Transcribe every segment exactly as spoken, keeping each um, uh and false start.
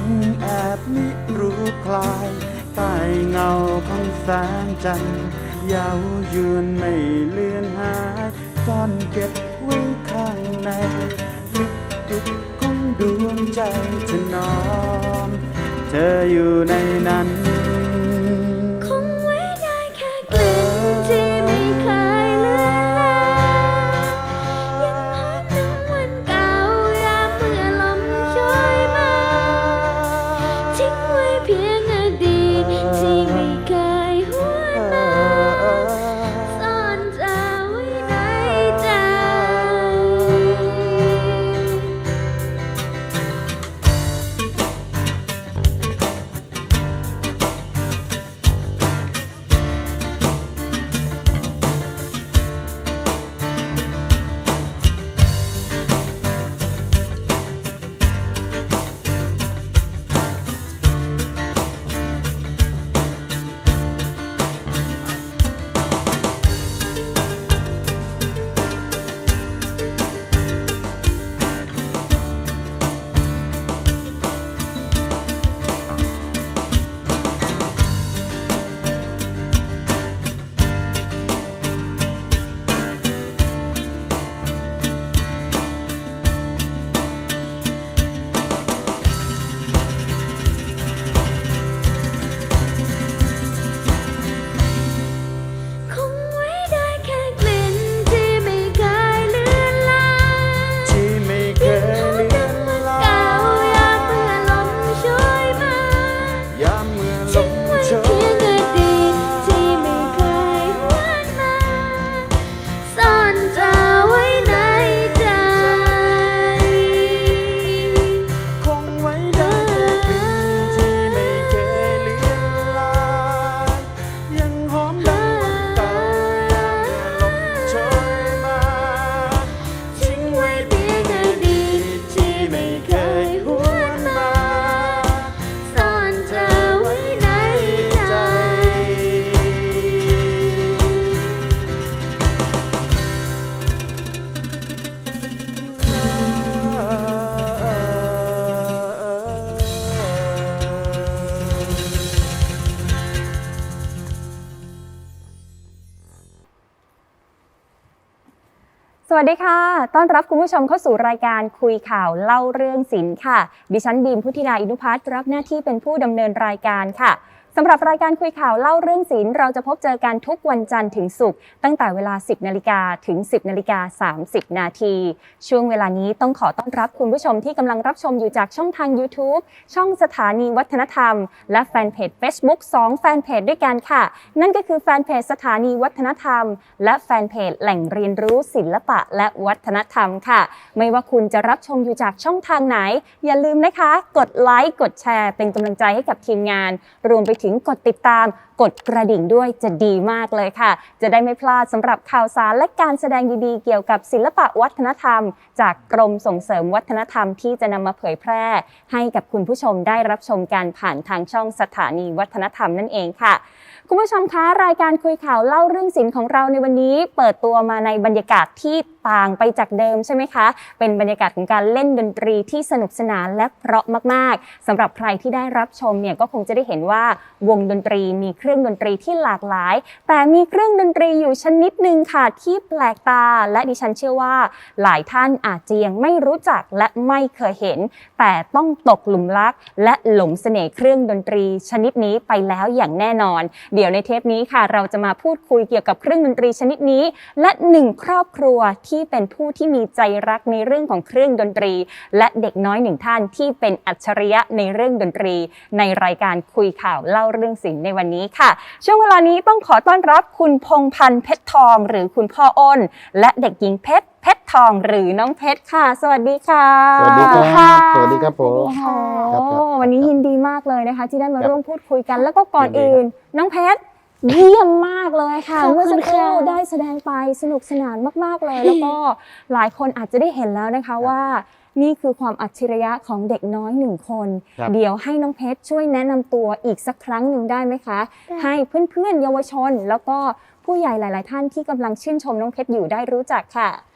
งแอบมิรู้คลายใต้เงาของแสงจันทร์เย้ายวนไม่เลือนหายซ่อนเก็บไว้ข้างในลึกดุดของดวงใจเธอนอนเธออยู่ในนั้นคงไว้ได้แค่กลิ่นที่ไม่เคยเลือนลางยังหอมถึงวันเก่ายามเมื่อลมช่วยมาทิ้งไว้เพียงอดีตที่ไม่เคยหวนมาซ่อนเธอไว้ในใจสวัสดีค่ะต้อนรับคุณผู้ชมเข้าสู่รายการคุยข่าวเล่าเรื่องศิลป์ค่ะดิฉันบีมพุทธิดาอินุพัฒน์รับหน้าที่เป็นผู้ดำเนินรายการค่ะสำหรับรายการคุยข่าวเล่าเรื่องศิลป์เราจะพบเจอกันทุกวันจันทร์ถึงศุกร์ตั้งแต่เวลา สิบนาฬิกา ถึง สิบนาฬิกาสามสิบนาทีช่วงเวลานี้ต้องขอต้อนรับคุณผู้ชมที่กำลังรับชมอยู่จากช่องทาง YouTube ช่องสถานีวัฒนธรรมและแฟนเพจ Facebook สองแฟนเพจด้วยกันค่ะนั่นก็คือแฟนเพจสถานีวัฒนธรรมและแฟนเพจแหล่งเรียนรู้ศิลปะและวัฒนธรรมค่ะไม่ว่าคุณจะรับชมอยู่จากช่องทางไหนอย่าลืมนะคะกดไลค์กดแชร์เป็นกำลังใจให้กับทีมงานรวมไปถึงกดติดตามกดกระดิ่งด้วยจะดีมากเลยค่ะจะได้ไม่พลาดสำหรับข่าวสารและการแสดงดีๆเกี่ยวกับศิลปะวัฒนธรรมจากกรมส่งเสริมวัฒนธรรมที่จะนำมาเผยแพร่ให้กับคุณผู้ชมได้รับชมการผ่านทางช่องสถานีวัฒนธรรมนั่นเองค่ะคุณผู้ชมคะรายการคุยข่าวเล่าเรื่องศิลป์ของเราในวันนี้เปิดตัวมาในบรรยากาศที่ต่างไปจากเดิมใช่ไหมคะเป็นบรรยากาศของการเล่นดนตรีที่สนุกสนานและเพราะมากๆสำหรับใครที่ได้รับชมเนี่ยก็คงจะได้เห็นว่าวงดนตรีมีเครื่องดนตรีที่หลากหลายแต่มีเครื่องดนตรีอยู่ชนิดหนึ่งค่ะที่แปลกตาและดิฉันเชื่อว่าหลายท่านอาจจะยังไม่รู้จักและไม่เคยเห็นแต่ต้องตกหลุมรักและหลงเสน่ห์เครื่องดนตรีชนิดนี้ไปแล้วอย่างแน่นอนเดี๋ยวในเทปนี้ค่ะเราจะมาพูดคุยเกี่ยวกับเครื่องดนตรีชนิดนี้และหนึ่งครอบครัวที่เป็นผู้ที่มีใจรักในเรื่องของเครื่องดนตรีและเด็กน้อยหนึ่งท่านที่เป็นอัจฉริยะในเรื่องดนตรีในรายการคุยข่าวเล่าเรื่องศิลป์ในวันนี้ค่ะช่วงเวลานี้ต้องขอต้อนรับคุณพงษ์พันธ์เพชรทองหรือคุณพ่ออ้นและเด็กหญิงเพชรเพชรทองหรือน้องเพชรค่ะสวัสดีค่ะสวัสดีครับสวัสดีครับผมโอ้วันนี้ยินดีมากเลยนะคะที่ได้มาร่วมพูดคุยกันแล้วก็ก่อนอื่นน้องเพชรเยี่ยมมากเลยค่ะเมื่อสักครู่ได้แสดงไปสนุกสนานมากๆเลยแล้วก็หลายคนอาจจะได้เห็นแล้วนะคะว่านี่คือความอัจฉริยะของเด็กน้อยหนึ่งคนเดี๋ยวให้น้องเพชรช่วยแนะนำตัวอีกสักครั้งหนึ่งได้ไหมคะให้เพื่อนๆเยาวชนแล้วก็ผู้ใหญ่หลายๆท่านที่กำลังชื่นชมน้องเพชรอยู่ได้รู้จักค่ะ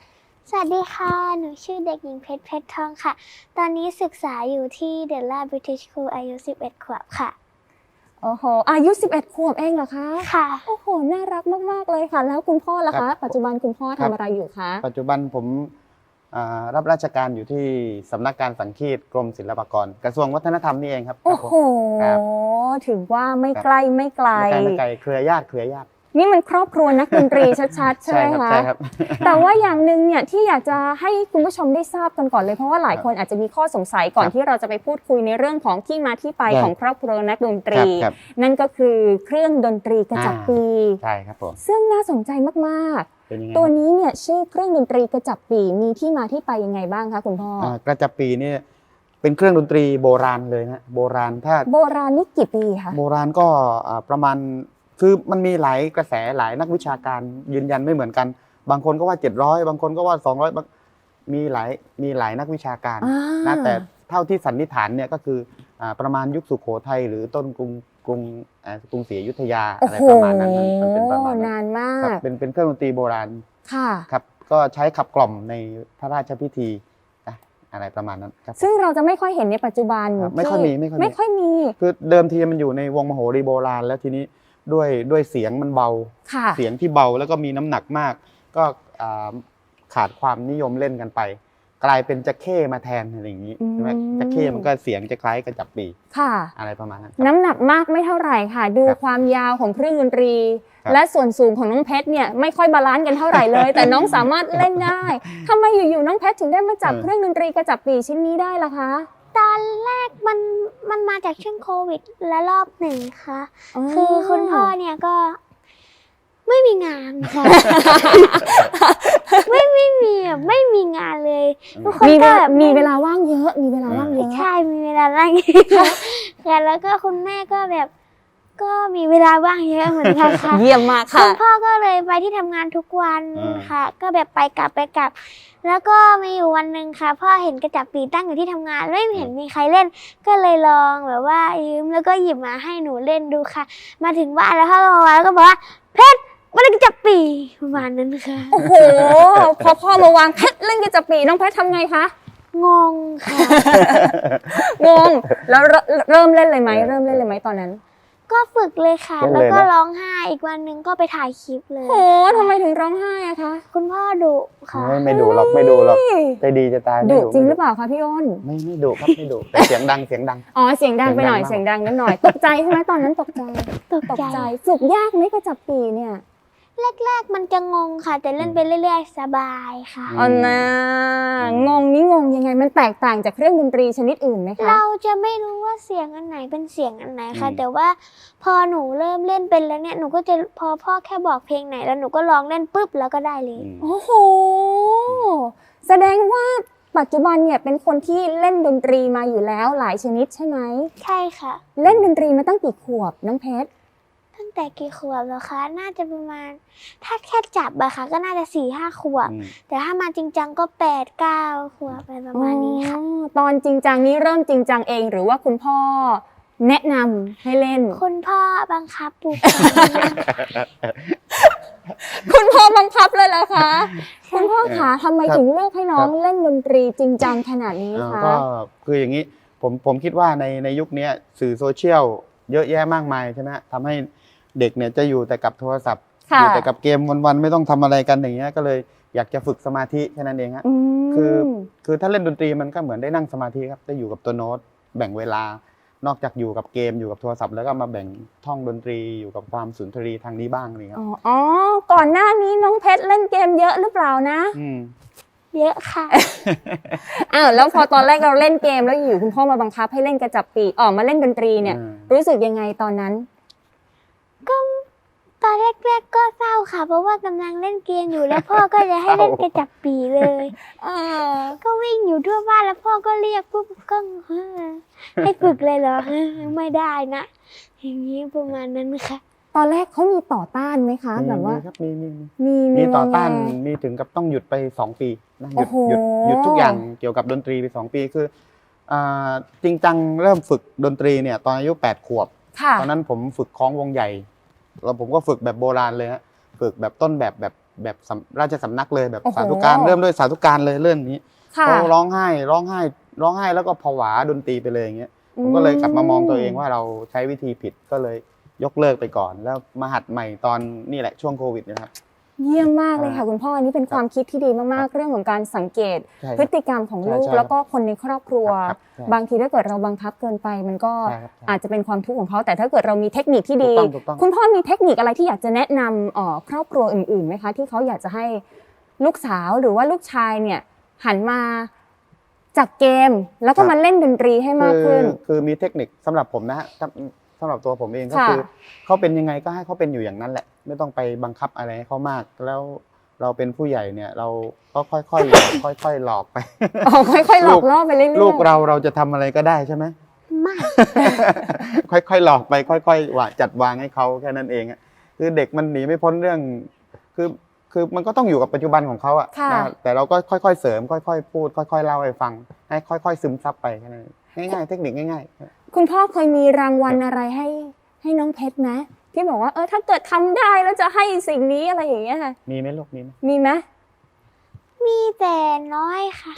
สวัสดีค่ะ หนูชื่อเด็กหญิงเพชรเพชรทองค่ะ ตอนนี้ศึกษาอยู่ที่เดลล่าบริติชสคูลอายุสิบเอ็ดขวบค่ะโอ้โหอายุสิบเอ็ดขวบเองเหรอคะค่ะโอ้โหน่ารักมากๆเลยค่ะ แล้วคุณพ่อล่ะครัคะบปัจจุบันคุณพ่อครัทำบอะไรอยู่คะปัจจุบันผมอ่ารับราชการอยู่ที่สำนักการสังคีตกรมศิลปากร กระทรวงวัฒนธรรมนี่เองครับโอ้โหครับถือว่าไม่ครับใกล้ไม่ไกลไม่ไกลไม่ไกลเครือญาติเครือญาตินี่มันครอบครัวนักดนตรีชัดๆ ใช่ไหมครับคะใช่ครับแต่ว่าอย่างหนึ่งเนี่ยที่อยากจะให้คุณผู้ชมได้ทราบกันก่อนเลยเพราะว่าหลายคนอาจจะมีข้อสงสัยก่อนครับที่เราจะไปพูดคุยในเรื่องของที่มาที่ไปได้ของครอบครัวนักดนตรีครับครับนั่นก็คือเครื่องดนตรีกระจับปีใช่ครับผมซึ่งน่าสนใจมากเป็นยังไงๆ ตัวนี้เนี่ยชื่อเครื่องดนตรีกระจับปีมีที่มาที่ไปยังไงบ้างคะคุณพ่ออ่ากระจับปีนี่เป็นเครื่องดนตรีโบราณเลยนะโบราณถ้าโบราณนี่กี่ปีคะโบราณก็อ่าประมาณคือมันมีหลายกระแสหลายนักวิชาการยืนยันไม่เหมือนกัน บางคนก็ว่าเจ็ดร้อยบางคนก็ว่าสองร้อยบางมีหลายมีหลายนักวิชาการอ่านะแต่เท่าที่สันนิษฐานเนี่ยก็คืออ่าประมาณยุคสุโขทัยหรือต้นกรุงกรุงอ่ากรุงศรีอยุธยาโอ้อะไรโหประมาณนั้นมันมันเป็นประมาณนั้นนานมาครับกเป็นเป็นเครื่องดนตรีโบราณค่ะครับก็ใช้ขับกล่อมในพระราชพิธีนะอะไรประมาณนั้นครับซึ่งเราจะไม่ค่อยเห็นในปัจจุบันครับไม่ค่อยมีไม่ค่อยมีไม่ค่อยมีคือเดิมทีมันอยู่ในวงมโหรีโบราณ แล้วทีนี้ด้วยด้วยเสียงมันเบาค่ะเสียงที่เบาแล้วก็มีน้ำหนักมาก ก็อ่าขาดความนิยมเล่นกันไป กลายเป็นจะเข้มาแทนอะไรอย่างนี้อืมใช่ไหมจะเข้มันก็เสียงจะคล้ายกระจับปีค่ะอะไรประมาณนั้นครับน้ำหนักมากไม่เท่าไหร่ค่ะ ดูครับความยาวของเครื่องดนตรีครับและส่วนสูงของน้องเพชรเนี่ยไม่ค่อยบาลานซ์กันเท่าไหร่เลย แต่น้องสามารถเล่นได้ทำไมอยู่ๆน้องเพชรถึงได้มาจับเออเครื่องดนตรีกระจับปีชิ้นนี้ได้ล่ะคะตอนแรกมันมันมาจากช่วงโควิดและรอบหนึ่งค่ะ คือคุณพ่อเนี่ยก็ไม่มีงานค่ะ ไม่ไม่มีแบบไม่มีงานเลยทุกคนมีเวก็ลาแบบมีเวลาว่างเยอะ มีเวลาว่างเยอะใช่มีเวลาว่างเยอะค่ะแล้วก็คุณแม่ก็แบบ ก็มีเวลาว่างเยอะเหมือนกันค่ะเยี่ยมมากคุค่ะณพ่อก็เลยไปที่ทำงานทุกวันอ่าค่ะ ก็แบบไปกลับไปกลับ แล้วก็มีอยู่วันหนึ่งค่ะ พ่อเห็นกระจับปีตั้งอยู่ที่ทำงานไม่เห็นมีใครเล่น ก็เลยลองแบบว่ายืมแล้วก็หยิบมาให้หนูเล่นดูค่ะ มาถึงบ้านแล้วพ่อก็มาแล้วก็บอกว่าเพชรมาเล่นกระจับปีประมาณนั้นค่ะโอ้โห พอพ่อมาวางเพชรเล่นกระจับปีน้องเพชรทำไงคะงงค่ะงง แล้วเริ่มเริ่มเล่นเลยไหมเริ่มเล่นเลยไหมตอนนั้นก็ฝึกเลยค่ะเล่นแล้วเลยก็นะร้องไห้อีกวันหนึ่งก็ไปถ่ายคลิปเลยโอ้ทำไมถึงร้องไห้อะคะคุณพ่อดุค่ะไม่ไม่ดุหรอกไม่ดุหรอกใจดีจะตายไม่ดุจริงหไม่รือเปล่าคะพี่อ้นไม่ไม่ดุครับไม่ดุแต่เสียงดังเสียงดังอ๋อเสียงดังไปหน่อยเสีเสียยงงดัดังงนิดหน่อย ตกใจใช่ไหมตอนนั้นตกใจตกตกใจใจฝึกยากไหมกระจับปีเนี่ยแรกๆมันจะงงค่ะ แต่เล่นไปเรื่อยๆ สบายค่ะอ๋อนะงงนี่งงยังไงมันแตกต่างจากเครื่องดนตรีชนิดอื่นไหมคะเราจะไม่รู้ว่าเสียงอันไหนเป็นเสียงอันไหนค่ะอืมแต่ว่าพอหนูเริ่มเล่นเป็นแล้วเนี่ยหนูก็จะพอพ่อแค่บอกเพลงไหนแล้วหนูก็ร้องเล่นปุ๊บแล้วก็ได้เลยอืมโอ้โห แสดงว่าปัจจุบันเนี่ยเป็นคนที่เล่นดนตรีมาอยู่แล้วหลายชนิดใช่ไหมใช่ค่ะเล่นดนตรีมาตั้งกี่ขวบน้องเพชรตั้งแต่กี่ขวบแล้วคะ น่าจะประมาณ ถ้าแค่จับอะค่ะ ก็น่าจะสี่ห้าขวบอืมแต่ถ้ามาจริงจังก็แปดเก้าขวบอะไรประมาณนี้ค่ะอ๋อตอนจริงจังนี้เริ่มจริงจังเองหรือว่าคุณพ่อแนะนำให้เล่นคุณพ่อบังคับปลูกคุณพ่อบังคับเลยเหรอคะใช่คุณพ่อคะทำไมครับถึงเลือกให้น้องครับเล่นดนตรีจริงจังขนาดนี้เอ่อคะก็คืออย่างนี้ผมผมคิดว่าในในยุคนี้สื่อโซเชียลเยอะแยะมากมายใช่ไหมทำให้เด็กเนี่ยจะอยู่แต่กับโทรศัพท์อค่ะยู่แต่กับเกมวันๆไม่ต้องทำอะไรกันอย่างเงี้ยก็เลยอยากจะฝึกสมาธิแค่นั้นเองฮะอืมคือคือถ้าเล่นดนตรีมันก็เหมือนได้นั่งสมาธิครับได้อยู่กับตัวโน้ตแบ่งเวลานอกจากอยู่กับเกมอยู่กับโทรศัพท์แล้วก็มาแบ่งท่องดนตรีอยู่กับความสุนทรีทางนี้บ้างนี่ครับอ๋ออ๋อ ก่อนหน้านี้น้องเพชรเล่นเกมเยอะหรือเปล่านะอืมเยอะค่ะอ้าวแล้วพอตอนแรกเราเล่นเกมแล้วอยู่คุณพ่อมาบังคับให้เล่นกระจับปีออกมาเล่นดนตรีเนี่ยอืมรู้สึกยังไงตอนนั้นตอนแรกๆก็เศร้าค่ะ เพราะว่ากำลังเล่นเกมอยู่แล้วพ่อก็จะให้เล่นกระจับปีเลยเออก็วิ่งอยู่ทั่วบ้านแล้วพ่อก็เรียกปุ๊บก็เฮ้อให้ฝึกเลยเหรอเฮ้อไม่ได้นะ อย่างนี้ประมาณนั้นค่ะตอนแรกเขามีต่อต้านไหมคะมีแบบว่ามีครับมีมีมีมีมีต่อต้านงไงมีถึงกับต้องหยุดไปสองปีนะหโอ้ยุดโหหยุดหยุดทุกอย่างเกี่ยวกับดนตรีไปสองปีคืออ่าจริงจังเริ่มฝึกดนตรีเนี่ยตอนอายุแปดขวบค่ะตอนนั้นผมฝึกคล้องวงใหญ่แล้วผมก็ฝึกแบบโบราณเลยฮะฝึกแบบต้นแบบแบบแบบสำราชสำนักเลยแบบโอ้โหสาธุการเริ่มด้วยสาธุการเลยเรื่องนี้ค่ะเขาร้องไห้ร้องไห้ร้องไห้แล้วก็ผวาดนตรีไปเลยอย่างเงี้ยผมก็เลยกลับมามองตัวเองว่าเราใช้วิธีผิดก็เลยยกเลิกไปก่อน แล้วมาหัดใหม่ตอนนี่แหละช่วงโควิดนะครับเยี่ยมมากเลยค่ะอ่าคุณพ่ออันนี้เป็นความคิดที่ดีมากๆ เรื่องของการสังเกตใช่ครับพฤติกรรมของลูกใช่ใช่แล้วก็คนในครอบครัวครับใช่บางทีถ้าเกิดเราบังคับเกินไปมันก็ใช่ครับใช่อาจจะเป็นความทุกข์ของเขาแต่ถ้าเกิดเรามีเทคนิคที่ดีถูกต้องถูกต้องคุณพ่อมีเทคนิคอะไรที่อยากจะแนะนำเอ่อครอบครัวอื่นๆไหมคะที่เขาอยากจะให้ลูกสาวหรือว่าลูกชายเนี่ยหันมาจากเกม แล้วก็มาเล่นดนตรีให้มากขึ้นคือคือมีเทคนิคสำหรับผมนะฮะสำสำหรับตัวผมเองก็ค่ะคือเขาเป็นยังไงก็ให้เขาเป็นอยู่อย่างนั้นแหละ ไม่ต้องไปบังคับอะไรให้เขามาก แล้วเราเป็นผู้ใหญ่เนี่ย เราก็ค่อยๆหลอกค่อยๆหลอกไปอ๋อค่อยๆหลอกล่อไปเรื่อยๆลูกเราเราจะทำอะไรก็ได้ใช่ไหมไม่ค่อยๆหลอกไปค่อยๆว่าจัดวางให้เขาแค่นั้นเองอะคือเด็กมันหนีไม่พ้นเรื่อง คือคือมันก็ต้องอยู่กับปัจจุบันของเขาอะค่ะนะแต่เราก็ค่อยๆเสริมค่อยๆพูดค่อยๆเล่าให้ฟัง ให้ค่อยๆซึมซับไปแค่นั้นเองง่ายๆเทคนิคง่ายๆคุณพ่อเคยมีรางวัลอะไรให้ให้น้องเพชรไหมที่บอกว่าเออถ้าเกิดทำได้แล้วจะให้สิ่งนี้อะไรอย่างเงี้ยค่ะมีไหมลูกมีไหมมีไหมมีแต่น้อยค่ะ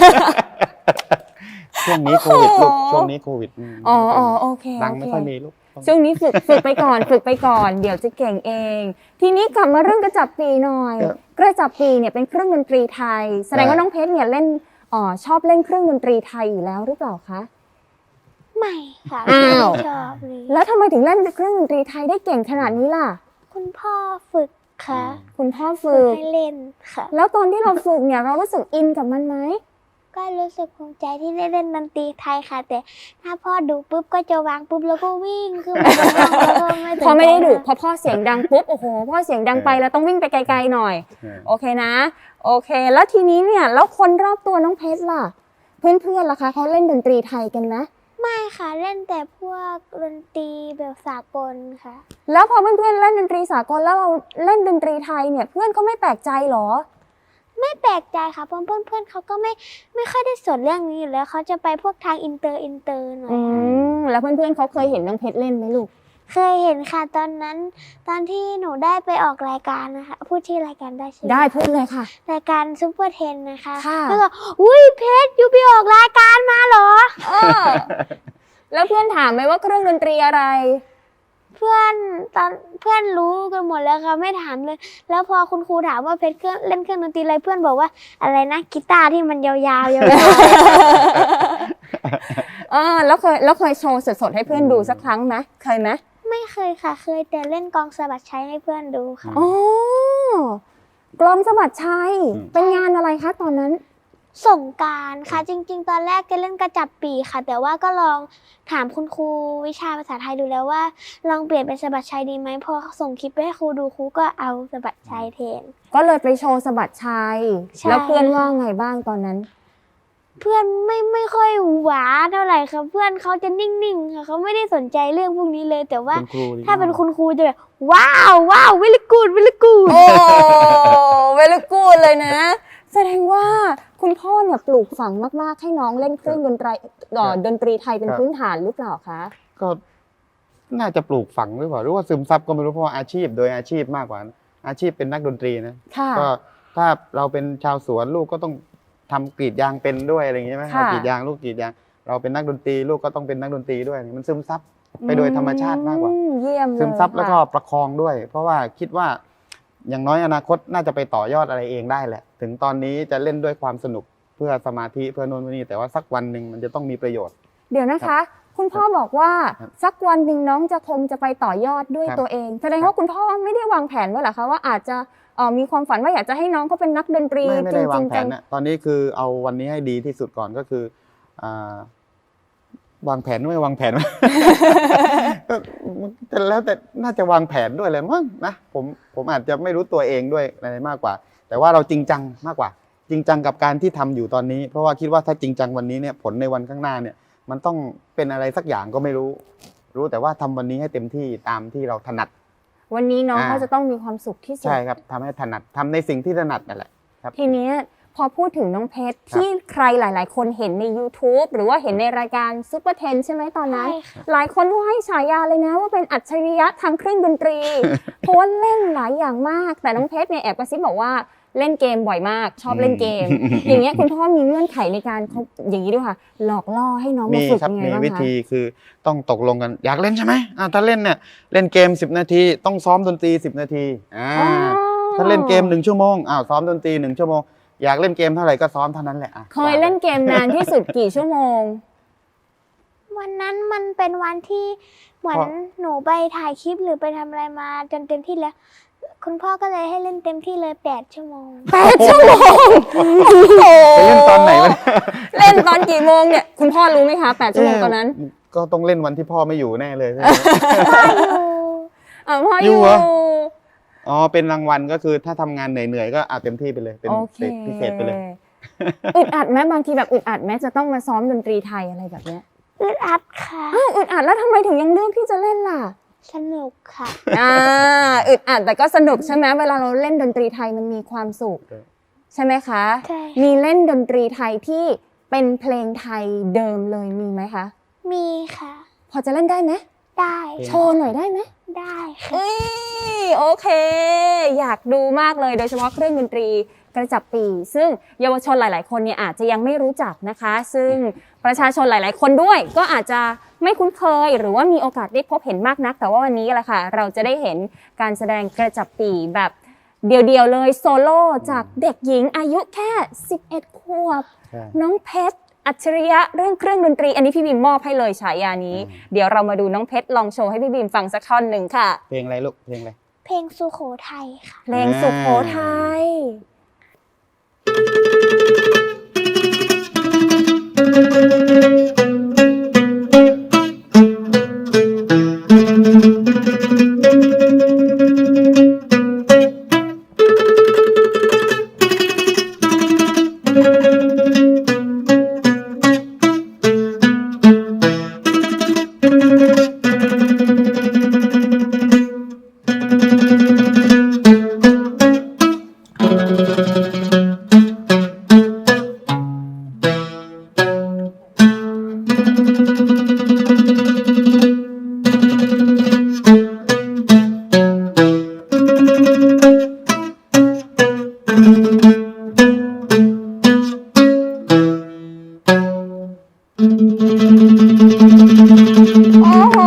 ช่วงนี้โควิดลูกช่วงนี้โควิดมอ๋ออ๋อโอเคดังโอไม่เคค่อยมีลูกต้องช่วงนี้ฝึกฝึกไปก่อน ฝึกไปก่อน เดี๋ยวจะเก่งเอง ทีนี้กลับมาเรื่องกระจับปีหน่อยครับกระจับปีเนี่ยเป็นเครื่องดนตรีไทย แสดงว่าน้องเพชรเนี่ยเล่นอ๋อชอบเล่นเครื่องดนตรีไทยอยู่แล้วหรือเปล่าคะไม่ค่ะอ้าวไม่ชอบเลยแล้วทำไมถึงเล่นเครื่องดนตรีไทยได้เก่งขนาดนี้ล่ะคุณพ่อฝึกค่ะคุณพ่อฝึฝึกกให้เล่นค่ะแล้วตอนที่เราฝึกเนี่ยเรารู้สึกอินกับมันไหมก็รู้สึกภูมิใจที่ได้เล่นดนตรีไทยค่ะ แต่ถ้าพ่อดูปุ๊บก็จะวางปุ๊บแล้วก็วิ่งคือไม่ได้แล้วก็ไม่สนใจพอไม่ได้ดุพอพ่อเสียงดังปุ๊บโอ้โหพ่อเสียงดังไปแล้วต้องวิ่งไปไกลๆหน่อยเออโอเคนะ โอเค แล้วทีนี้เนี่ยแล้วคนรอบตัวน้องเพชรล่ะ เพื่อนๆล่ะคะเขาเล่นดนตรีไทยกันไหมไม่ค่ะเล่นแต่พวกดนตรีแบบสากลค่ะแล้วพอเพื่อนๆเล่นดนตรีสากลแล้วเราเล่นดนตรีไทยเนี่ยเพื่อนเขาไม่แปลกใจเหรอไม่แปลกใจค่ะเพราะเพื่อนๆเขาก็ไม่ไม่ค่อยได้สนเรื่องนี้อยู่แล้วเขาจะไปพวกทางอินเตอร์อินเตอร์หน่อยอืค่ะมแล้วเพื่อนๆเขาเคยเห็นน้องเพชรเล่นไหมลูกเคยเห็นค่ะตอนนั้น ตอนที่หนูได้ไปออกรายการนะคะพูดชื่อรายการได้ใช่ไหมได้พูดเลยค่ะรายการซุปเปอร์เทนนะคะค่ะแล้วก็อุ้ยเพชรอยู่ไปออกรายการมาเหรอเออแล้วเพื่อนถามไหมว่าเครื่องดนตรีอะไรเพื่อนตอนเพื่อนรู้กันหมดแล้วค่ะไม่ถามเลย แล้วพอคุณครูถามว่าเพชรเครื่องเล่นเครื่องดนตรีอะไรเพื่อนบอกว่าอะไรนะกีตาร์ที่มันยาวๆยาวเออแล้วเคยแล้วเคยโชว์สดๆให้เพื่อนดูสักครั้งไหมเคยไหมๆไม่เคยค่ะเคยแต่เล่นกลองสะบัดชัยให้เพื่อนดูค่ะอ๋อกลองสะบัดชัยอืมเป็นงานอะไรคะตอนนั้นสงกรารค่ะจริง ๆ ตอนแรกจะเล่นกระจับปีค่ะ แต่ว่าก็ลองถามคุณครูวิชาภาษาไทยดูแล้วว่า ลองเปลี่ยนเป็นสะบัดชัยดีไหมพอส่งคลิปไปให้ครูดูครูก็เอาสะบัดชัยแทนก็เลยไปโชว์สะบัดชัยใช่แล้วเพื่อนว่าไงบ้างตอนนั้นเพื่อนไม่ไม่ค่อยหวาเท่าไหร่ค่ะเพื่อนเขาจะนิ่งๆค่ะเขาไม่ได้สนใจเรื่องพวกนี้เลย แต่ว่าคุณครูดีถ้าเป็นมากคุณครูจะแบบว้าวว้าววิลกูดวิลกูดโอ้เวลกูดเลยนะ แสดงว่าคุณพ่อเนี่ยปลูกฝังมากๆให้น้องเล่นเครื่องดนตรีเอ่อดนตรีไทยเป็นพื้นฐานหรือเปล่าคะก็น่าจะปลูกฝังหรือเปล่าหรือว่าซึมซับก็ไม่รู้เพราะว่าอาชีพโดยอาชีพมากกว่า อาชีพเป็นนักดนตรีนะค่ะก็ถ้าเราเป็นชาวสวนลูกก็ต้องทำกรีดยางเป็นด้วยอะไรอย่างเงี้ยใช่ไหมค่ะเรากรีดยางลูกกรีดยางเราเป็นนักดนตรีลูกก็ต้องเป็นนักดนตรีด้วยมันซึมซับไปโดยธรรมชาติมากกว่าอืเยี่ยมเลยซึมซับแล้วก็ค่ะประคองด้วย เพราะว่าคิดว่าอย่างน้อยอนาคตน่าจะไปต่อยอดอะไรเองได้แหละ ถึงตอนนี้จะเล่นด้วยความสนุกเพื่อสมาธิเพื่อโน่นเพื่อนี่แต่ว่าสักวันหนึ่งมันจะต้องมีประโยชน์เดี๋ยวนะคะ คุณพ่อบอกว่าครับสักวันหนึ่งน้องจะคงจะไปต่อยอดด้วยครับตัวเอง แสดงว่าคุณพ่อไม่ได้วางแผนไว้เหรอคะว่าอาจจะเอ่อมีความฝันว่าอยากจะให้น้องเขาเป็นนักดนตรีไม่ไม่จได้ริวางงแผๆจันงนะตอนนี้คือเอาวันนี้ให้ดีที่สุดก่อนก็คืออ่าวางแผนไม่วางแผน ก็แต่แล้วแต่น่าจะวางแผนด้วยเลยมั้งนะผมผมอาจจะไม่รู้ตัวเองด้วยอะไรมากกว่า แต่ว่าเราจริงจังมากกว่า จริงจังกับการที่ทำอยู่ตอนนี้ เพราะว่าคิดว่าถ้าจริงจังวันนี้เนี่ยผลในวันข้างหน้าเนี่ย มันต้องเป็นอะไรสักอย่างก็ไม่รู้ รู้แต่ว่าทำวันนี้ให้เต็มที่ตามที่เราถนัดวันนี้น้องอ่าเขาจะต้องมีความสุขที่สุดใช่ครับทำให้ถนัดทำในสิ่งที่ถนัดนั่นแหละทีเนี้ยพอพูดถึงน้องเพชรที่ใครหลาย ๆ คนเห็นใน YouTube หรือว่าเห็นในรายการซุปเปอร์เทนใช่ไหมตอนนั้นใช่ค่ะหลายคนก็ให้ฉายาเลยนะว่าเป็นอัจฉริยะทางเครื่องดนตรี เพราะว่าเล่นหลายอย่างมาก แต่น้องเพชรเนี่ยแอบกระซิบบอกว่าเล่นเกมบ่อยมาก ชอบเล่นเกม อย่างเงี้ยคุณพ่อมีเงื่อนไขในการเขาอย่างนี้ด้วยค่ะ หลอกล่อให้น้องมีมาฝึกครับยังไงมีบ้างวิคะธีคือต้องตกลงกันอยากเล่นใช่ไหมอ่าถ้าเล่นเนี่ยเล่นเกมสิบนาทีต้องซ้อมดนตรีสิบนาทีอ่าอ๋อถ้าเล่นเกมหนึ่งชั่วโมงอ้าวซ้อมดนตรีหนึ่งชั่วโมงอยากเล่นเกมเท่าไหร่ก็ซ้อมเท่านั้นแหละอ่ะเคยเล่นเกมนานที่สุดกี่ชั่วโมงวันนั้นมันเป็นวันที่เหมือนหนูไปถ่ายคลิปหรือไปทำอะไรมาจนเต็มที่แล้ว คุณพ่อก็เลยให้เล่นเต็มที่เลยแปดชั่วโมงแปดชั่วโมงโอ้โหไปเล่นตอนไหนวะเล่นตอนกี่โมงเนี่ยคุณพ่อรู้ไหมคะแปดชั่วโมงตอนนั้นเอ๊ะก็ต้องเล่นวันที่พ่อไม่อยู่แน่เลยใช่ไหมพ่ออยู่อ่ะพ่อออยู่ยู่เหรอ อ๋อเป็นรางวัลก็คือถ้าทำงานเหนื่อยๆก็เอาเต็มที่ไปเลยเป็นโอเคพิเศษไปเลยอึดอัดไหมบางทีแบบอึดอัดไหมจะต้องมาซ้อมดนตรีไทยอะไรแบบเนี้ยอึดอัดค่ะอ้าวอึดอัดแล้วทำไมถึงยังเลือกที่จะเล่นล่ะสนุกค่ะอ่าอึดอัดแต่ก็สนุกใช่ไหมเวลาเราเล่นดนตรีไทยมันมีความสุขใช่ใช่ไหมคะใช่มีเล่นดนตรีไทยที่เป็นเพลงไทยเดิมเลยมีไหมคะมีค่ะพอจะเล่นได้ไหมได้โชว์หน่อยได้ไหมได้ค่ะเอ้ยโอเค อยากดูมากเลยโดยเฉพาะเครื่องดนตรีกระจับปี ซึ่งเยาวชนหลาย ๆ คนเนี่ยอาจจะยังไม่รู้จักนะคะ ซึ่งประชาชนหลาย ๆ คนด้วยก็อาจจะไม่คุ้นเคยหรือว่ามีโอกาสได้พบเห็นมากนัก แต่ว่าวันนี้แหละค่ะเราจะได้เห็นการแสดงกระจับปีแบบเดี่ยว ๆ เลยโซโล่จากเด็กหญิงอายุแค่สิบเอ็ดขวบใช่น้องเพชรอัจฉริยะเรื่องเครื่องดนตรีอันนี้พี่บีมมอบให้เลยฉายานี้อืมเดี๋ยวเรามาดูน้องเพชรลองโชว์ให้พี่บีมฟังสักท่อนหนึ่งค่ะเพลงอะไรลูกเพลงอะไรเพลงสุโขทัยค่ะเพลงสุโขทัย โอ้โห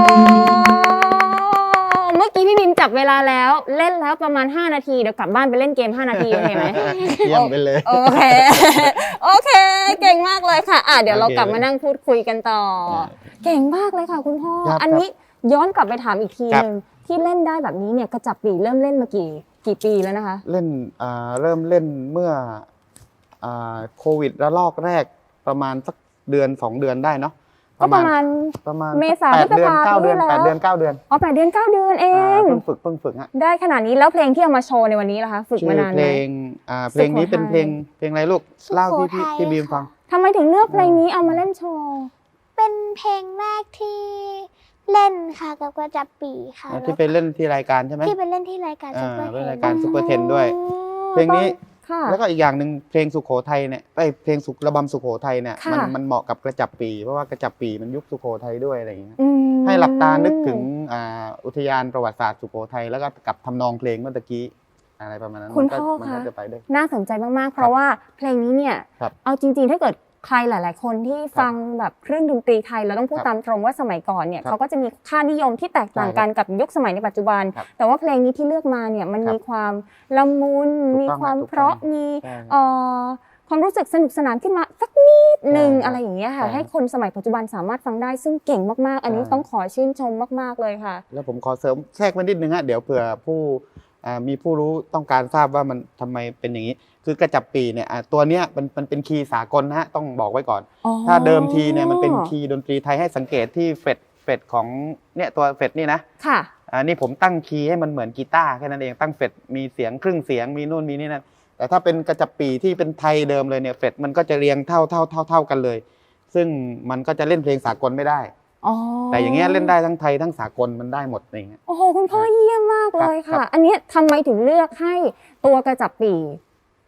เมื่อกี้พี่บิมจับเวลาแล้ว เล่นแล้วประมาณห้านาที เดี๋ยวกลับบ้านไปเล่นเกมห้านาทีโอเคไหมเยี่ยมไปเลยโอเค โอเค เก่งมากเลยค่ะ อ่ะ เดี๋ยวเราโอเคกลับมานั่งพูดคุยกันต่ออ่าเก่งมากเลยค่ะคุณพ่อครับอันนี้ย้อนกลับไปถามอีกทีครับหนึ่งที่เล่นได้แบบนี้เนี่ยกระจับปีเริ่มเล่นมากี่กี่ปีแล้วนะคะเล่นอ่าเริ่มเล่นเมื่ออ่าโควิดระลอกแรกประมาณสักเดือนสองเดือนได้เนาะก็ประมาณประมาณเมษาแปดเดือนพฤษภาเก้าเดือนปีที่แล้วแปดเดือนเก้าเดือนอ๋อแปดเดือนเก้าเดือนเออ่าง เพิ่งฝึกเพิ่งฝึกฮะได้ขนาดนี้แล้วเพลงที่เอามาโชว์ในวันนี้ล่ะคะ ฝึกชื่มาอนาเพลนไหมงอ่าเพลงนี้เป็นเพลงเพลงอะไรลูกสุโขทัยเล่าที่พี่พี่บีมฟังทำไมถึงเลือกเพลงนี้เอามาเล่นโชว์เป็นเพลงแรกที่เล่นค่ะกับกระจับปีค่ะอ่าที่ไปเล่นที่รายการใช่ไหมที่ไปเล่นที่รายการอ่าซุปเปอร์เทเป็นนรายการซุปเปอร์เทนด้วย เพลงนี้ค่ะแล้วก็อีกอย่างหนึ่งเพลงสุโขทัยเนี่ยไอยเพลงสุระบำสุโขทัยเนี่ยค่ะมันมันเหมาะกับกระจับปีเพราะว่ากระจับปีมันยุคสุโขทัยด้วยอะไรอย่างเงี้ยอืมให้หลับตานึกถึงอ่าอุทยานประวัติศาสตร์สุโขทัยแล้วก็กับทำนองเพลงเมื่อตะกี้อะไรประมาณนั้นคุณมันก็พ่อมันคะก็จะไปด้วยน่าสนใจมากๆ เพราะว่าเพลงนี้เนี่ยครับเอาจริงๆ ถ้าเกิดใครหลาย ๆ คนที่ฟังแบบเครื่องดนตรีไทยเราต้องพูดครับตามตรงว่าสมัยก่อนเนี่ยครับเขาก็จะมีค่านิยมที่แตกต่างกันกับยุคสมัยในปัจจุบันครับแต่ว่าเพลงนี้ที่เลือกมาเนี่ยมันครับมีความละมุนถูกมีต้องความถูกต้องเพราะมีใช่เอ่อความรู้สึกสนุกสนานขึ้นมาสักนิดหนึ่งใช่ครับอะไรอย่างเงี้ยค่ะใช่ให้คนสมัยปัจจุบันสามารถฟังได้ซึ่งเก่งมากๆ อันนี้ใช่ต้องขอชื่นชมมากๆเลยค่ะแล้วผมขอเสริมแทรกไว้นิดนึงฮะเดี๋ยวเผื่อผู้อ่ามีผู้รู้ต้องการทราบว่ามันทำไมเป็นอย่างนี้ คือกระจับปีเนี่ยอ่าตัวเนี้ยมันมันเป็นคีย์สากลนะฮะต้องบอกไว้ก่อนอ๋อถ้าเดิมทีเนี่ยมันเป็นคีย์ดนตรีไทยให้สังเกตที่เฟดเฟดของเนี่ยตัวเฟดนี่นะค่ะอ่านี่ผมตั้งคีย์ให้มันเหมือนกีตาร์แค่นั้นเองตั้งเฟดมีเสียงครึ่งเสียงมีนู่นมีนี่นั่นแต่ถ้าเป็นกระจับปีที่เป็นไทยเดิมเลยเนี่ยเฟดมันก็จะเรียงเท่าเท่าเท่าเท่ากันเลย ซึ่งมันก็จะเล่นเพลงสากลไม่ได้อ๋อแต่อย่างเงี้ยเล่นได้ทั้งไทยทั้งสากลมันได้หมดอย่างเงี้ยโอ้โหคุณพ่อเยี่ยมมากเลยครัค่ะบอันเนี้ยทำไมถึงเลือกให้ตัวกระจับปี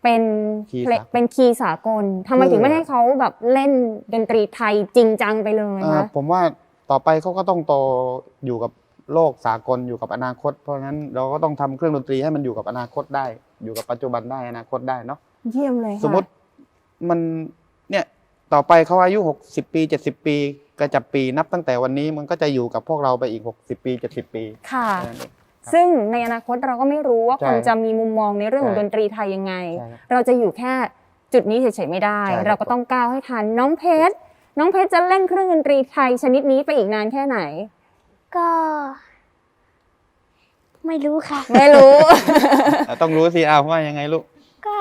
เป็นคีย์เพลงสากลเป็นคีย์สากลทำไมคือถึงไม่ให้เขาแบบเล่นดนตรีไทยจริงจังไปเลยเอ่อคะผมว่าต่อไปเขาก็ต้องโตอยู่กับโลกสากลอยู่กับอนาคต เพราะฉะนั้นเราก็ต้องทำเครื่องดนตรีให้มันอยู่กับอนาคตได้ อยู่กับปัจจุบันได้อนาคตได้เนาะเยี่ยมเลยค่ะสมมติมันเนี่ยต่อไปเขาอายุหกสิบปีเจ็ดสิบปีกระจับปีนับตั้งแต่วันนี้มันก็จะอยู่กับพวกเราไปอีกหกสิบปีเจ็ดสิบปีค่ะแค่นั้นเองซึ่งในอนาคตเราก็ไม่รู้ว่าใช่คนจะมีมุมมองในเรื่องของใช่ดนตรีไทยยังไงใช่ครับเราจะอยู่แค่จุดนี้เฉยๆไม่ได้ใช่ครับเราก็ต้องก้าวให้ทันน้องเพชรน้องเพชรจะเล่นเครื่องดนตรีไทยชนิดนี้ไปอีกนานแค่ไหนก็ ไม่รู้ค่ะไม่รู้อ่ะต้องรู้สิอ้าวว่ายังไงลูกก็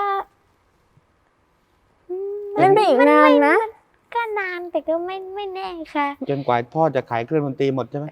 อืมเล่นไปอีกนานนะก็นานแต่ก็ไม่ไม่แน่ค่ะจนกว่าพ่อจะขายเครื่องดนตรีหมดใช่ไหม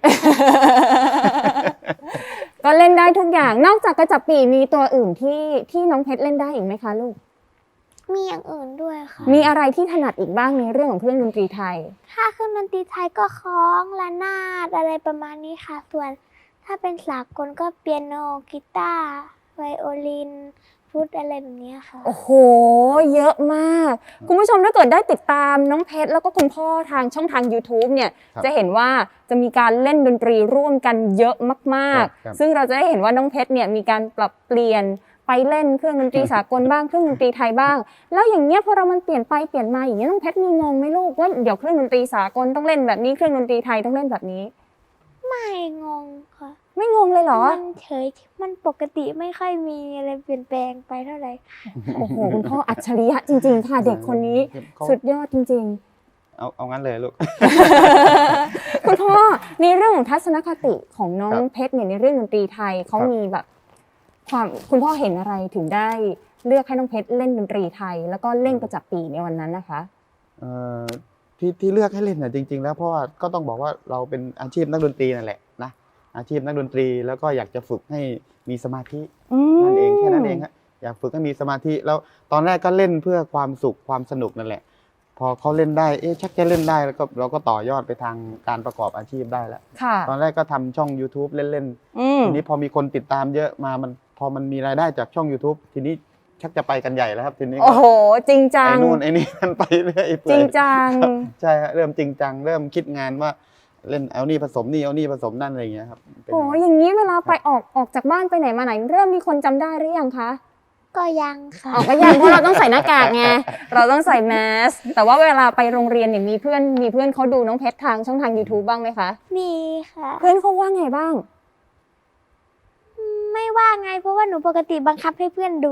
ก็เล่นได้ทุกอย่างนอกจากกระจับปีมีตัวอื่นที่ที่น้องเพชรเล่นได้อีกไหมคะลูกมีอย่างอื่นด้วยค่ะมีอะไรที่ถนัดอีกบ้างในเรื่องของเครื่องดนตรีไทยถ้าเครื่องดนตรีไทยก็คล้องระนาดอะไรประมาณนี้ค่ะ ส่วนถ้าเป็นสากลก็เปียโนกีตาร์ไวโอลินฟลุตอะไรแบบนี้ค่ะโอ้โห เยอะมาก คุณผู้ชมถ้าเกิดได้ติดตามน้องเพชรแล้วก็คุณพ่อทางช่องทาง YouTube เนี่ยครับจะเห็นว่าจะมีการเล่นดนตรีร่วมกันเยอะมากครับๆ ซึ่งเราจะได้เห็นว่าน้องเพชรเนี่ยมีการปรับเปลี่ยนไปเล่นเครื่องดนตรีสากลบ้างเครื่องดนตรีไทยบ้าง แล้วอย่างเงี้ยพอเรามันเปลี่ยนไปเปลี่ยนมาอย่างเงี้ยน้องเพชรมีงงไหมลูกว่าเดี๋ยวเครื่องดนตรีสากลต้องเล่นแบบนี้เครื่องดนตรีไทยต้องเล่นแบบนี้ไม่งงค่ะไม่งงเลยเหรอมันเฉยมันปกติไม่ค่อยมีอะไรเปลี่ยนแปลงไปเท่าไหร่โอ้โหคุณพ่ออัจฉริยะจริง ๆ ค่ะ เด็กคนนี้เขาสุดยอดจริง ๆเอาเอางั้นเลยลูกคุณพ่อในเรื่องของทัศนคติของน้องครับเพชรเนี่ยในเรื่องดนตรีไทยเขาครับมีแบบความคุณพ่อเห็นอะไรถึงได้เลือกให้น้องเพชรเล่นดนตรีไทย แล้วก็เล่นกระจับปีในวันนั้นนะคะเอ่อที่ที่เลือกให้เล่นน่ะจริง ๆ แล้วเพราะว่าก็ต้องบอกว่าเราเป็นอาชีพนักดนตรีนั่นแหละนะอาชีพนักดนตรีแล้วก็อยากจะฝึกให้มีสมาธินั่นเองแค่นั้นเองฮะอยากฝึกให้มีสมาธิแล้วตอนแรกก็เล่นเพื่อความสุขความสนุกนั่นแหละ พอเขาเล่นได้เอ๊ะชักจะเล่นได้แล้วก็เราก็ต่อยอดไปทางการประกอบอาชีพได้แล้วค่ะตอนแรกก็ทำช่อง YouTube เล่นอืมๆทีนี้พอมีคนติดตามเยอะมามันพอมันมีรายได้จากช่อง YouTube ทีนี้ชักจะไปกันใหญ่แล้วครับทีนี้ก็โอ้โห จริงจังไอ้นู่นไอ้นี่มันไปเรื่อยเปื่จอยริงจังครับใช่ฮะเริ่มจริงจังเริ่มคิดงานว่าเล่นเอานี่ผสมนี่เอานี่ผสมนั่นอะไรอย่างเงี้ยครับเป็นโอ้อย่างนี้เวลาไปออกออกจากบ้านไปไหนมาไหน เริ่มมีคนจำได้หรือยังคะก็ยังค่ะออกก็ยังเพราะเราต้องใส่หน้ากากไงเราต้องใส่แมสแต่ว่าเวลาไปโรงเรียนเนี่ยมีเพื่อนมีเพื่อนเขาดูน้องเพชรทางช่องทาง YouTube บ้างไหมคะมีค่ะเพื่อนเขาว่าไงบ้างไม่ว่าไงเพราะว่าหนูปกติบังคับให้เพื่อนดู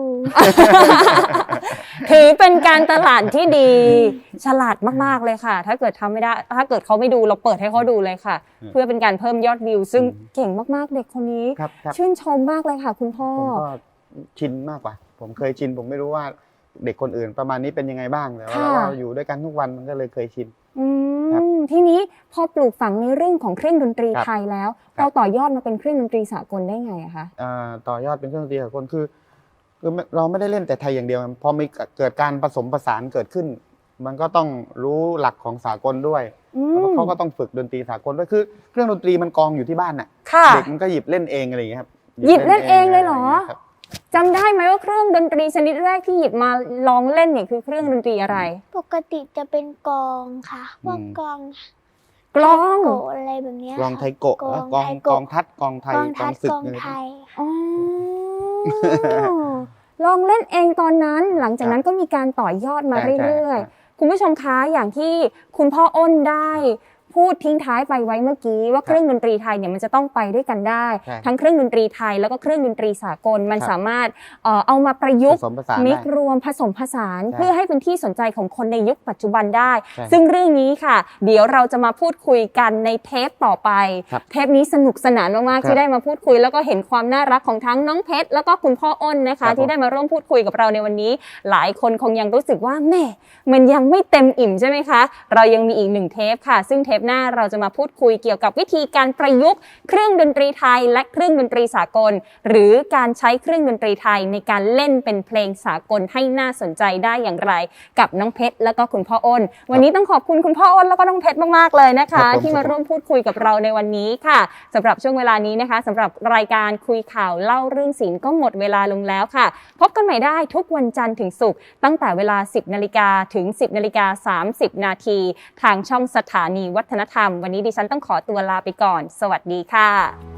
ถือเป็นการตลาดที่ดี ฉลาดมากๆเลยค่ะ ถ้าเกิดทำไม่ได้ ถ้าเกิดเขาไม่ดูเราเปิดให้เขาดูเลยค่ะ เพื่อเป็นการเพิ่มยอดวิว ซึ่งเก่งมากๆเด็กคนนี้ครับครับชื่นชมมากเลยค่ะ คุณพ่อผมก็ชินมากกว่า ผมเคยชินผมไม่รู้ว่าเด็กคนอื่นประมาณนี้เป็นยังไงบ้างแต่ว่าค่ะเราอยู่ด้วยกันทุกวันมันก็เลยเคยชินอืครับมทีนี้พอปลูกฝังในเรื่องของเครื่องดนตรีครับไทยแล้วครับเราต่อยอดมาเป็นเครื่องดนตรีสากลได้ไงอะคะอ่าต่อยอดเป็นเครื่องดนตรีสากลคือคือไม่เราไม่ได้เล่นแต่ไทยอย่างเดียวพอมีเกิดการผสมผสานเกิดขึ้น มันก็ต้องรู้หลักของสากลด้วยอืแล้วก็มเขาก็ต้องฝึกดนตรีสากลด้วยคือเครื่องดนตรีมันกองอยู่ที่บ้านน่ะค่ะเด็กมันก็หยิบเล่นเองอะไรอย่างเงี้ยครับหยิบเล่นเองเลยเหรอะไย่างงี้ยครับจำได้ไหมว่าเครื่องดนตรีชนิดแรกที่หยิบมาลองเล่นเนี่ยคือเครื่องดนตรีอะไรปกติจะเป็นกลองค่ะพวกกลองกลองโกะอะไรแบบเนี้ยกลองไทค่ะโกะกลองกลองไทกลองโกะทัดกลองไทยกลองกลทัองดศึกกลองอะไรไทพวกนี้ยอ๋อ ลองเล่นเองตอนนั้น หลังจากนั้นก็มีการต่อยอดมาใช่เรื่อยใช่ๆ คุณผู้ชมคะอย่างที่คุณพ่ออ้นได้พูดทิ้งท้ายไปไว้เมื่อกี้ว่าเครื่องดนตรีไทยเนี่ยมันจะต้องไปด้วยกันได้ใช่ทั้งเครื่องดนตรีไทยแล้วก็เครื่องดนตรีสากลมันครับสามารถเอ่อเอามาประยุผกต์สมผสานมิกได้รวมผสมผสานใช่เพื่อให้เป็นที่สนใจของคนในยุคปัจจุบันได้ใช่ซึ่งเรื่องนี้ค่ะ เดี๋ยวเราจะมาพูดคุยกันในเทปต่อไปครับเทปนี้สนุกสนานมากๆครับที่ได้มาพูดคุย แล้วก็เห็นความน่ารักของทั้งน้องเพชรแล้วก็คุณพ่ออ้นนะครัคะบผมที่ได้มาร่วมพูดคุยกับเราในวันนี้ หลายคนคงยังรู้สึกว่าแม่มันยังไม่เต็มอิ่มใช่ไหมคะ เรายังมีอีกหนึ่งเทปค่ะ ซึ่งเทปปหน้าเราจะมาพูดคุยเกี่ยวกับวิธีการประยุกต์เครื่องดนตรีไทยและเครื่องดนตรีสากลหรือการใช้เครื่องดนตรีไทยในการเล่นเป็นเพลงสากลให้น่าสนใจได้อย่างไรกับน้องเพชรแล้วก็คุณพ่ออ้นวันนี้ต้องขอบคุณคุณพ่ออ้นแล้วก็น้องเพชรมากๆเลยนะคะที่มาร่วมพูดคุยกับเราในวันนี้ค่ะสำหรับช่วงเวลานี้นะคะสำหรับรายการคุยข่าวเล่าเรื่องศิลป์ก็หมดเวลาลงแล้วค่ะพบกันใหม่ได้ทุกวันจันทร์ถึงศุกร์ตั้งแต่เวลา สิบนาฬิกา ถึง สิบนาฬิกาสามสิบนาทีทางช่องสถานีวัฒนธรรมวันนี้ดิฉันต้องขอตัวลาไปก่อนสวัสดีค่ะ